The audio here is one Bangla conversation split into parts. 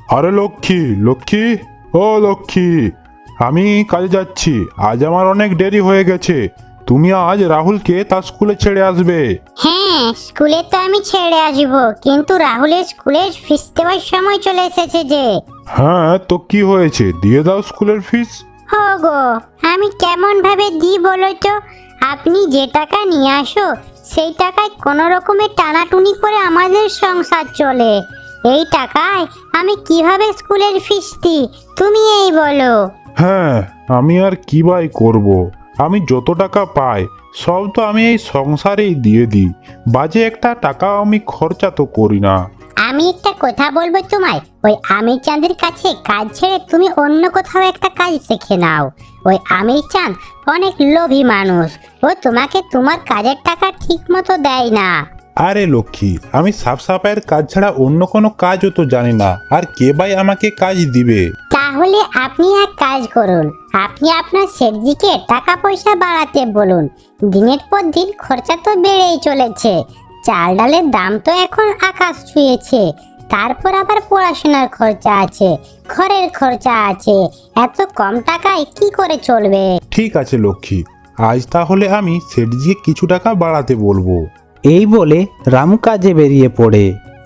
আরে লক্ষ্মী, লক্ষ্মী, ও লক্ষ্মী, আমি কাজে যাচ্ছি। আজ আমার অনেক দেরি হয়ে গেছে। তুমি আজ রাহুলকে তার স্কুলে ছেড়ে আসবে। হ্যাঁ, স্কুলে তো আমি ছেড়ে আসবো, কিন্তু রাহুলের স্কুলের ফিস দেওয়ার সময় চলে এসেছে যে। হ্যাঁ, তো কি হয়েছে, দিয়ে দাও স্কুলের ফিস। গো, আমি কেমন ভাবে দিই বলো তো? আপনি যে টাকা নিয়ে আসো সেই টাকায় কোনো রকমের টানাটুনি করে আমাদের সংসার চলে। এই টাকায় আমি কিভাবে স্কুলের ফিস দিই তুমি এই বলো। হ্যাঁ, আমি আর কি বাই করব। আমি যত টাকা পাই সব তো আমি এই সংসারেই দিয়ে দিই। বাজে একটা টাকাও আমি খরচা তো করি না। আমি একটা কথা বলবো তোমায়, ওই আমির চাঁদের কাছে কাজ ছেড়ে তুমি অন্য কোথাও একটা কাজ শিখে নাও। ওই আমির চাঁদ অনেক লোভী মানুষ, ও তোমাকে তোমার কাজের টাকা ঠিক মতো দেয় না। আরে লক্ষ্মী, আমি সাফ সাফাইয়ের কাজ ছাড়া অন্য কোনো কাজও তো জানি না, আর কে ভাই আমাকে কাজ দিবে? তাহলে আপনি এক কাজ করুন, আপনি আপনার শেঠজিকে টাকা পয়সা বাড়াতে বলুন। দিনের পর দিন খরচা তো বেড়েই চলেছে, চাল ডালের দাম তো এখন আকাশ ছুঁয়েছে, তারপর আবার পড়াশোনার খরচা আছে, ঘরের খরচা আছে, এত কম টাকায় কি করে চলবে? ঠিক আছে লক্ষ্মী, আজ তাহলে আমি সেটজিকে কিছু টাকা বাড়াতে বলবো। এই বলে রামু কাজে বেরিয়ে পড়ে।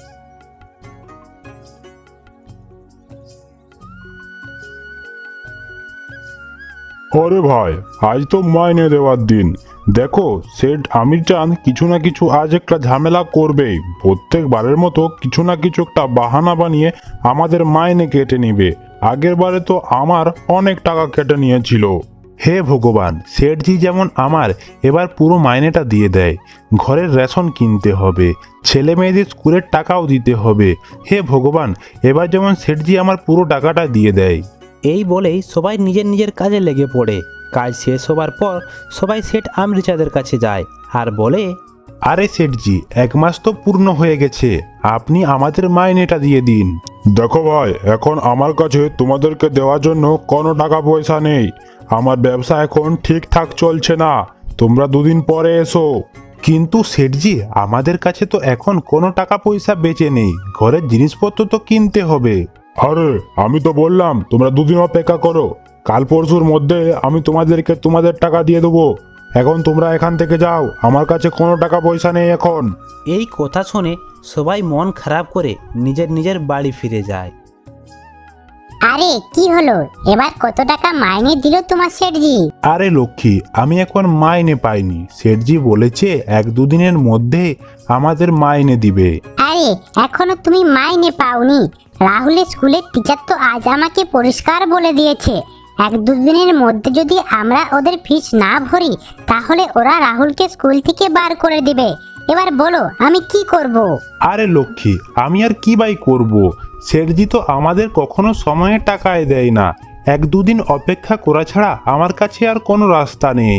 আরে ভাই, আজ তো মাইনে দেওয়ার দিন। দেখো, সেট আমির চাঁদ কিছু না কিছু আজ একটা ঝামেলা করবেই। প্রত্যেকবারের মতো কিছু না কিছু একটা বাহানা বানিয়ে আমাদের মাইনে কেটে নিবে। আগের বারে তো আমার অনেক টাকা কেটে নিয়েছিল। হে ভগবান, সেটজি যেমন আমার এবার পুরো মাইনেটা দিয়ে দেয়। ঘরের রেশন কিনতে হবে, ছেলে মেয়েদের স্কুলের টাকাও দিতে হবে। হে ভগবান, এবার যেমন সেটজি আমার পুরো টাকাটা দিয়ে দেয়। এই বলেই সবাই নিজের নিজের কাজে লেগে পড়ে। কাজ শেষ হবার পর সবাই সেট আমরিচাঁদের কাছে যায় আর বলে, আরে সেটজি, 1 মাস তো পূর্ণ হয়ে গেছে, আপনি আমাদের মাইনেটা দিয়ে দিন। দেখো ভাই, এখন আমার কাছে তোমাদেরকে দেওয়ার জন্য কোনো টাকা পয়সা নেই। আমার ব্যবসা এখন ঠিকঠাক চলছে না, তোমরা 2 দিন পরে এসো। কিন্তু সেটজি, আমাদের কাছে তো এখন কোনো টাকা পয়সা বেঁচে নেই, ঘরের জিনিসপত্র তো কিনতে হবে। আরে আমি তো বললাম তোমরা 2 দিন অপেক্ষা করো, কাল পরশুর মধ্যে আমি তোমাদেরকে তোমাদের টাকা দিয়ে দেবো। এখন তোমরা এখান থেকে যাও, আমার কাছে কোনো টাকা পয়সা নেই এখন। এই কথা শুনে সবাই মন খারাপ করে নিজের নিজের বাড়ি ফিরে যায়। আরে কি হলো, এবার কত টাকা মাইনে দিল তোমার শেঠজি? আরে লক্ষ্মী, আমি এখন মাইনে পাইনি। সেটজি বলেছে 1-2 দিনের মধ্যে আমাদের মাইনে দিবে। আরে এখনো তুমি মাইনে পাওনি? রাহুলের স্কুলের টিচার তো আজ আমাকে পরিষ্কার বলে দিয়েছে, 1-2 দিনের মধ্যে যদি আমরা ওদের ফিস না ভরি তাহলে ওরা রাহুলকে স্কুল থেকে বার করে দিবে। এবার বলো আমি কি করব? আরে লক্ষ্মী, আমি আর কি বাই করব? সেটজি তো আমাদের কখনো সময়ে টাকায় দেয় না। 1-2 দিন অপেক্ষা করা ছাড়া আমার কাছে আর কোনো রাস্তা নেই।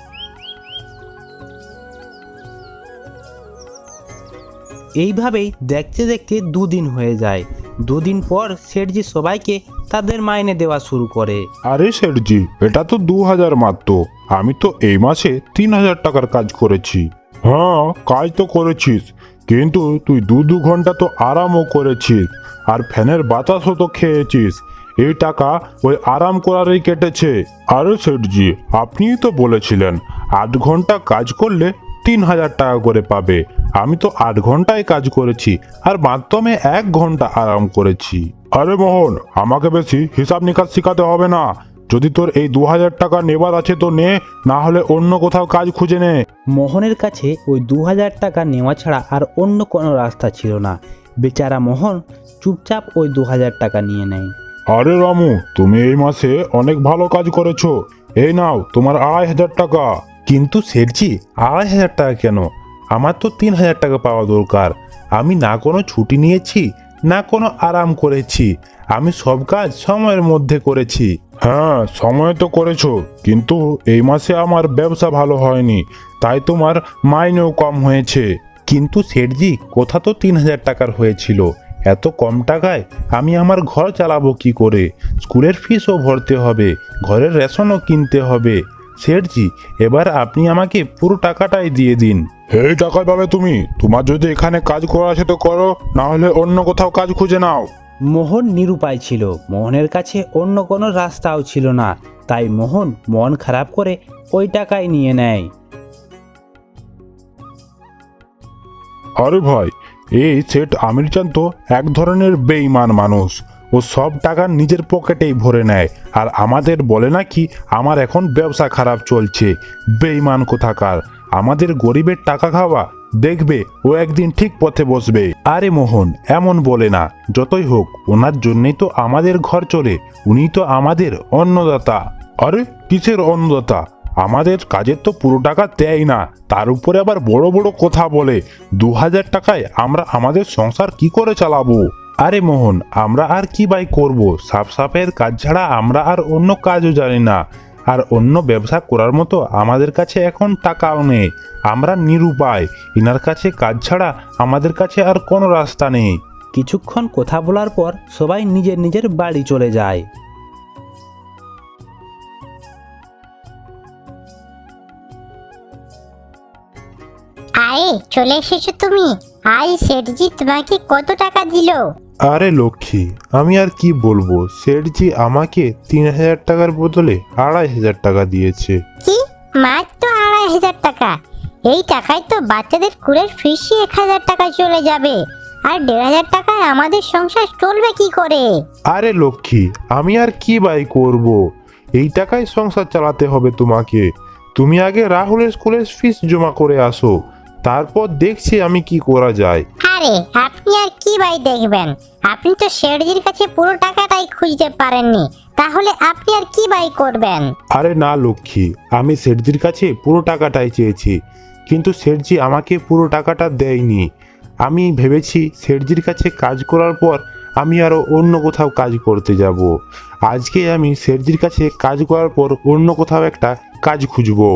এইভাবেই দেখতে দেখতে 2 দিন হয়ে যায়। 2 দিন পর সেটজি সবাইকে তাদের মাইনে দেওয়া শুরু করে। আরে সেটজি, এটা তো 2000 মাত্র। আমি তো এই মাসে 3000 টাকার কাজ করেছি। হ্যাঁ, কাজ তো করেছিস, কিন্তু তুই 2 ঘন্টা তো আরামও করেছিস, আর ফ্যানের বাতাসও তো খেয়েছিস। এই টাকা ওই আরাম করারই কেটেছে। আরে সেটজি, আপনিই তো বলেছিলেন 8 ঘন্টা কাজ করলে 3000 টাকা করে পাবে। আমি তো 8 ঘন্টায় কাজ করেছি, আর মাত্র আমি 1 ঘন্টা আরাম করেছি। আরে মোহন, আমাকে বেশি হিসাব নিকাশ শেখাতে হবে না। যদি তোর এই 2000 টাকা নেবার আছে তো নে, না হলে অন্য কোথাও কাজ খুঁজে নে। মোহনের কাছে ওই 2000 টাকা নেওয়া ছাড়া আর অন্য কোনো রাস্তা ছিল না। বেচারা মোহন চুপচাপ ওই 2000 টাকা নিয়ে নেয়। আরে রামু, তুমি এই মাসে অনেক ভালো কাজ করেছো, এই নাও তোমার 2500 টাকা। কিন্তু সেটজি, 2500 টাকা কেন? আমার তো 3000 টাকা পাওয়া দরকার। আমি না কোনো ছুটি নিয়েছি, না কোনো আরাম করেছি। আমি সব কাজ সময়ের মধ্যে করেছি। হ্যাঁ, সময় তো করেছো, কিন্তু এই মাসে আমার ব্যবসা ভালো হয়নি, তাই তোমার মাইনেও কম হয়েছে। কিন্তু সেটজি, কথা তো 3000 টাকার হয়েছিল। এত কম টাকায় আমি আমার ঘর চালাবো কি করে? স্কুলের ফিসও ভরতে হবে, ঘরের রেশনও কিনতে হবে। সেটজি, এবার আপনি আমাকে পুরো টাকাটাই দিয়ে দিন। এই টাকায় পাবে তুমি। তোমার যদি এখানে কাজ করা আছে তো করো, না হলে অন্য কোথাও কাজ খুঁজে নাও। মোহন নিরুপায় ছিল। মোহনের কাছে অন্য কোনো রাস্তাও ছিল না, তাই মোহন মন খারাপ করে ওই টাকাই নিয়ে নেয়। আরে ভাই, এই সেট আমির চাঁদ তো এক ধরনের বেঈমান মানুষ। ও সব টাকা নিজের পকেটেই ভরে নেয়, আর আমাদের বলে নাকি আমার এখন ব্যবসা খারাপ চলছে। বেঈমান কোথাকার, আমাদের গরিবের টাকা খাওয়া দেখবে, ও একদিন ঠিক পথে বসবে। আরে মোহন এমন বলে না, যতই হোক ওনার জন্যই তো আমাদের ঘর চলে, উনি তো আমাদের অন্নদাতা। আরে কিসের অন্নদাতা? আমাদের কাজের তো পুরো টাকা দেয় না, তার উপরে আবার বড় বড় কথা বলে। 2000 টাকায় আমরা আমাদের সংসার কি করে চালাবো? আরে মোহন, আমরা আর কি বাই করব? সাফ সাফের কাজ ছাড়া আমরা আর অন্য কাজও জানি না, আর অন্য ব্যবসা করার মতো আমাদের কাছে এখন টাকাও নেই। আমরা নিরুপায়, ইনার কাছে কাজ ছাড়া আমাদের কাছে আর কোনো রাস্তা নেই। কিছুক্ষণ কথা বলার পর সবাই নিজের নিজের বাড়ি চলে যায়। আরে চলে এসেছো তুমি। আজ সেটজি তোমাকে কত টাকা দিল? আরে লক্ষ্মী, আমি আর কি বলবো, সেঠজি আমাকে 3000 টাকার বদলে 2500 টাকা দিয়েছে। কি, মাত্র 2500 টাকা? এই টাকায় তো বাচ্চাদের স্কুলের ফিসই 1000 টাকা চলে যাবে, আর 1500 টাকায় আমাদের সংসার চলবে কি করে? আরে লক্ষ্মী, আমি আর কি বাই করব? এই টাকায় সংসার চালাতে হবে তোমাকে। তুমি আগে রাহুলের স্কুলের ফিস জমা করে আসো, তারপর দেখছি আমি কি করা যায়। আরে আপনি আর কি ভাই দেখবেন? আপনি তো শেঠজির কাছে পুরো টাকাটাই খুঁজতে পারেননি, তাহলে আপনি আর কি ভাই করবেন? আরে না লক্ষ্মী, আমি সেঠজির কাছে পুরো টাকাটাই চেয়েছি, কিন্তু সেঠজি আমাকে পুরো টাকাটা দেয়নি। আমি ভেবেছি সেঠজির কাছে কাজ করার পর আমি আরও অন্য কোথাও কাজ করতে যাব। আজকে আমি সেঠজির কাছে কাজ করার পর অন্য কোথাও একটা কাজ খুঁজবো।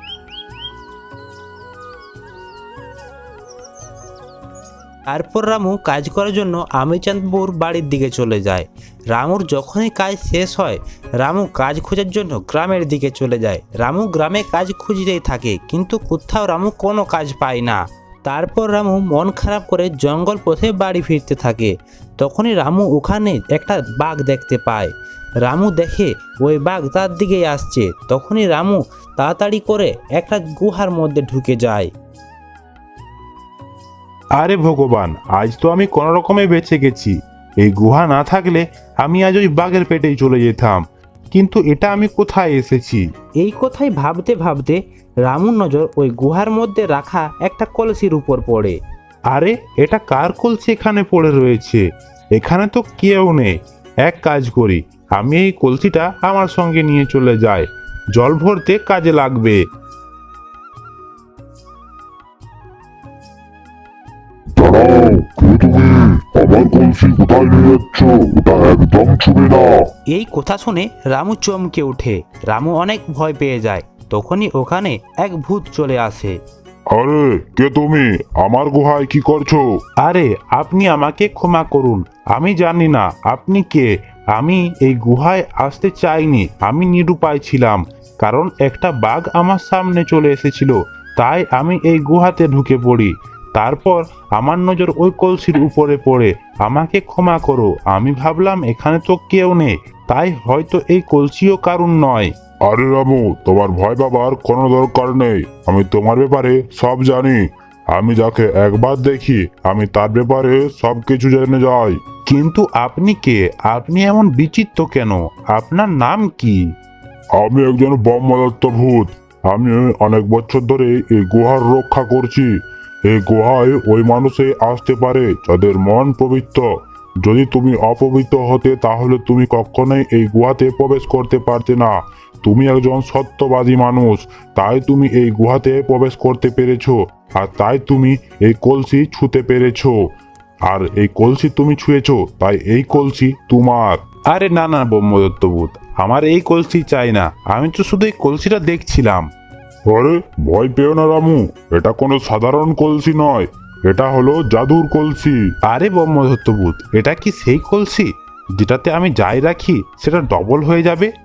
তারপর রামু কাজ করার জন্য আমিরচাঁদপুর বাড়ির দিকে চলে যায়। রামুর যখনই কাজ শেষ হয়, রামু কাজ খোঁজার জন্য গ্রামের দিকে চলে যায়। রামু গ্রামে কাজ খুঁজতেই থাকে, কিন্তু কোথাও রামু কোনো কাজ পায় না। তারপর রামু মন খারাপ করে জঙ্গল পথে বাড়ি ফিরতে থাকে। তখনই রামু ওখানে একটা বাঘ দেখতে পায়। রামু দেখে ওই বাঘ তার দিকেই আসছে। তখনই রামু তাড়াতাড়ি করে একটা গুহার মধ্যে ঢুকে যায়। আরে ভগবান, আজ তো আমি কোনো রকমে বেঁচে গেছি। এই গুহা না থাকলে আমি আজ ওই বাঘের পেটেই চলে যেতাম, কিন্তু এটা আমি কোথায় এসেছি? এই কথাই ভাবতে ভাবতে রামুর নজর ওই গুহার মধ্যে রাখা একটা কলসির উপর পড়ে। আরে এটা কার কলসি এখানে পড়ে রয়েছে? এখানে তো কেউ নেই। এক কাজ করি, আমি এই কলসিটা আমার সঙ্গে নিয়ে চলে যাই, জল ভরতে কাজে লাগবে। দাঁড়াও, কে তুমি? আমার কলসি কোথায় নিয়ে যাচ্ছ? ওটা একদম ছুবে না। এই কথা শুনে রামু চমকে ওঠে। রামু অনেক ভয় পেয়ে যায়। তখনই ওখানে এক ভূত চলে আসে। আরে কে তুমি? আমার গুহায় কি করছো? আরে আপনি আমাকে ক্ষমা করুন, আমি জানি না আপনি কে। আমি এই গুহায় আসতে চাইনি, আমি নিরুপায় ছিলাম, কারণ একটা বাঘ আমার সামনে চলে এসেছিল, তাই আমি এই গুহাতে ঢুকে পড়ি। তারপর আমার নজর ওই কলসির উপরে পড়ে। আমাকে ক্ষমা করো, আমি ভাবলাম এখানে তো কেউ নেই, তাই হয়তো এই কলসিও কারণ নয়। আরে রামু, তোমার ভয় পাবার কোনো দরকার নেই। আমি তোমার ব্যাপারে সব জানি। আমি যাকে একবার দেখি আমি তার ব্যাপারে সব কিছু জেনে যাই। কিন্তু আপনি কে? আপনি এমন বিচিত্র কেন? আপনার নাম কি? আমি একজন ব্রহ্মদত্ত ভূত। আমি অনেক বছর ধরে এই গুহার রক্ষা করছি। এই গুহায় ওই মানুষে আসতে পারে যাদের মন পবিত্র। যদি তুমি অপবিত্র হতে তাহলে তুমি কখনোই এই গুহাতে প্রবেশ করতে পারতে না। তুমি একজন সত্যবাদী মানুষ, তাই তুমি এই গুহাতে প্রবেশ করতে পেরেছো, আর তাই তুমি এই কলসি ছুঁতে পেরেছো। আর এই কলসি তুমি ছুঁয়েছো, তাই এই কলসি তোমার। আরে না না ব্রহ্মদত্ত ভূত, আমার এই কলসি চাই না, আমি তো শুধু এই কলসিটা দেখছিলাম। আরে ভয় পেও না রামু, এটা কোনো সাধারণ কলসি নয়, এটা হলো জাদুর কলসি। আরে ব্রহ্মদত্ত ভূত, এটা কি সেই কলসি যেটাতে আমি যাই রাখি সেটা ডবল হয়ে যাবে?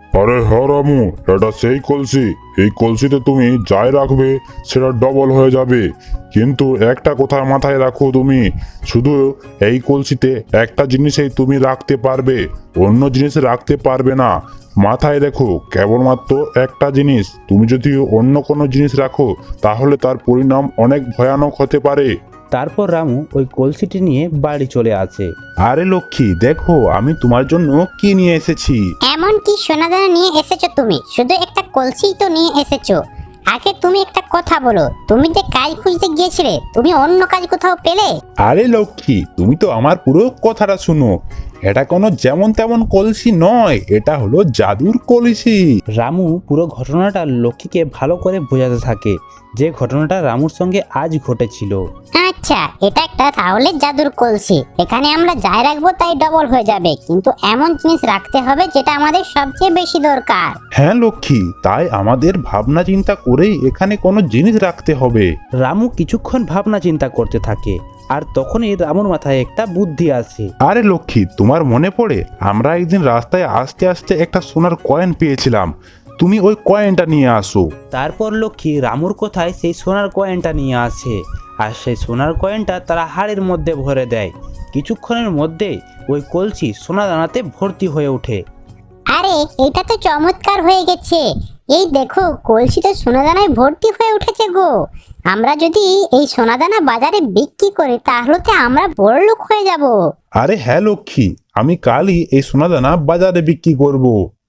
আরে হ্যাঁ রামু, এটা সেই কলসি। এই কলসিতে তুমি যাই রাখবে সেটা ডবল হয়ে যাবে। কিন্তু একটা কথা মাথায় রাখো, তুমি শুধু এই কলসিতে একটা জিনিসই তুমি রাখতে পারবে, অন্য জিনিস রাখতে পারবে না। মাথায় রেখো, কেবলমাত্র একটা জিনিস। তুমি যদি অন্য কোনো জিনিস রাখো তাহলে তার পরিণাম অনেক ভয়ানক হতে পারে। তারপর রামু ওই কলসিটি নিয়ে বাড়ি চলে আসে। আরে লক্ষ্মী, দেখো আমি তোমার জন্য কি নিয়ে এসেছি। এমন কি সোনাদানা নিয়ে এসেছো তুমি? শুধু একটা কলসিই তো নিয়ে এসেছো। আগে তুমি একটা কথা বলো, তুমি যে কাজ খুঁজতে গিয়েছিলে, তুমি অন্য কাজ কোথাও পেলে? আরে লক্ষ্মী, তুমি তো আমার পুরো কথাটা শুনো। এটা কোনো যেমন তেমন কলসি নয়, এটা হলো জাদুর কলসি। রামু পুরো ঘটনাটা লক্ষ্মীকে ভালো করে বোঝাতে থাকে, যে ঘটনাটা রামুর সঙ্গে আজ ঘটেছিল। আচ্ছা, এটা একটা তাহলে জাদুর কলসি। এখানে আমরা যাই রাখবো তাই ডবল হয়ে যাবে, কিন্তু এমন জিনিস রাখতে হবে যেটা আমাদের সবচেয়ে বেশি দরকার। হ্যাঁ লক্ষ্মী, তাই আমাদের ভাবনা চিন্তা করেই এখানে কোনো জিনিস রাখতে হবে। রামু কিছুক্ষণ ভাবনা চিন্তা করতে থাকে, আর তখনই রামুর মাথায় একটা বুদ্ধি আসে। আরে লক্ষ্মী, তোমার মনে পড়ে আমরা একদিন রাস্তায় আসতে আসতে একটা সোনার কয়েন পেয়েছিলাম? তুমি ওই কয়েনটা নিয়ে আসো। তারপর লক্ষ্মী রামুর কথায় সেই সোনার কয়েনটা নিয়ে আসে, আর সেই সোনার কয়েনটা তারা হাড়ের মধ্যে ভরে দেয়। কিছুক্ষণের মধ্যেই ওই কলসি সোনা দানাতে ভর্তি হয়ে ওঠে। আরে, এটা তো চমৎকার হয়ে গেছে। এই দেখো, কলসিতে সোনাদানায় ভর্তি হয়ে উঠেছে গো। আমরা যদি এই সোনাদানা বাজারে বিক্রি করি তাহলে তো আমরা বড়লোক হয়ে যাব। আরে হ্যাঁ লক্ষ্মী, আমি কালই এই সোনাদানা বাজারে বিক্রি করব।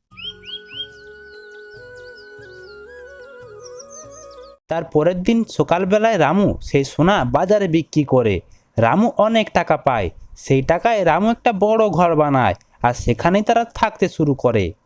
তার পরের দিন সকালবেলায় রামু সেই সোনা বাজারে বিক্রি করে। রামু অনেক টাকা পায়। সেই টাকায় রামু একটা বড় ঘর বানায়, আর সেখানেই তারা থাকতে শুরু করে।